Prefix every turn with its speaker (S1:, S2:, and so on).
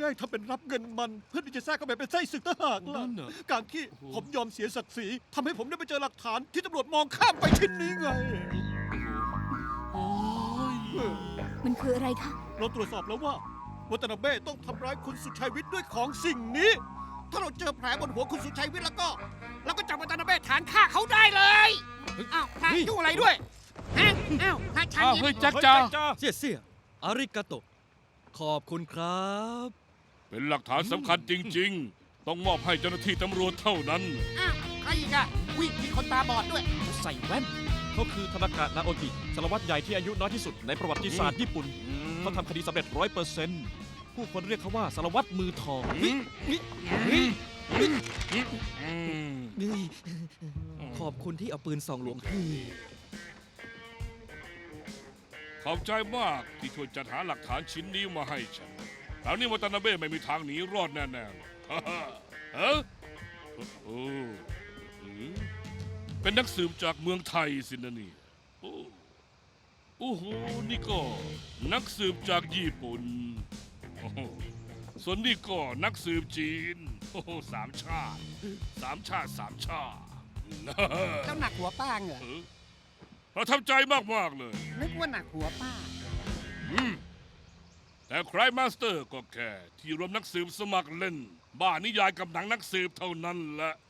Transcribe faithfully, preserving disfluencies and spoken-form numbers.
S1: ล้งทำเป็นรับเงินมัน เพื่อที่จะแทรกเข้าไปเป็นไส้ศึกทหารล่ะ
S2: นั่นน่ะ
S1: การที่ผมยอมเสียศักดิ์ศรีทำให้ผมได้ไปเจอหลักฐานที่ตำรวจมองข้ามไปชิ้นนี้ไง
S2: โอ้ย
S3: มันคืออะไรคะ
S1: เราตรวจสอบแล้วว่าวัตนาเบ้ต้องทำร้ายคุณสุชัยวิทย์ด้วยของสิ่งนี้ ถ้าเราเจอแผลบนหัวคุณสุชัยวิทย์แล้วก็เราก็จับวัตนาเบ้ฐานฆ่าเขาได้เลยอ้าวพระยุ่งอะไรด้วยฮะอ้าวพระชัน
S2: อ้าว
S1: ยิ
S2: เฮ้ย
S1: ง
S2: แจ็คจ้า
S4: เสี่ยเสี่ยอาริกาโต ขอบคุณครับ
S5: เป็นหลักฐานสำคัญจริง ๆ ต้องมอบให้เจ้าหน้าที่ตำรวจเท่านั้น
S1: อ้าวใครอีกอะวิ่งมีคนตาบอดด้วย
S6: ใส่แว่น เขาคือธนากะนาโอกิสารวัตรใหญ่ที่อายุน้อยที่สุดในประวัติศาสตร์ญี่ปุ่น เขาทำคดีสำเร็จร้อยเปอร์เซ็นต์ผู้คนเรียกเขาว่าสารวัตรมือทอง
S4: ขอบคุณที่เอาปืนส่องหลวงให้
S5: ขอบใจมากที่ช่วยจัดหาหลักฐานชิ้นนี้มาให้ฉันคราวนี้วัตนาเบ้ไม่มีทางหนีรอดแน่ๆหรอกฮ่าฮ่าเอ้อโอ้อืมเป็นนักสืบจากเมืองไทยสินะนี่โอ้โอ้โหนี่ก็นักสืบจากญี่ปุ่นโอ้โหส่วนนี่ก็นักสืบจีนโอ้โหสามชาติสามชาติสามชาติ
S1: เจ้าหนักหัวป้าเหรอ
S5: เออประทับใจมาก ๆ เลย
S1: นึกว่าหนักหัวป้า
S5: อืมแต่ครายมาสเตอร์ก็แค่ที่รวมนักสืบสมัครเล่น บ้านิยายกับหนังนักสืบเท่านั้นแหละ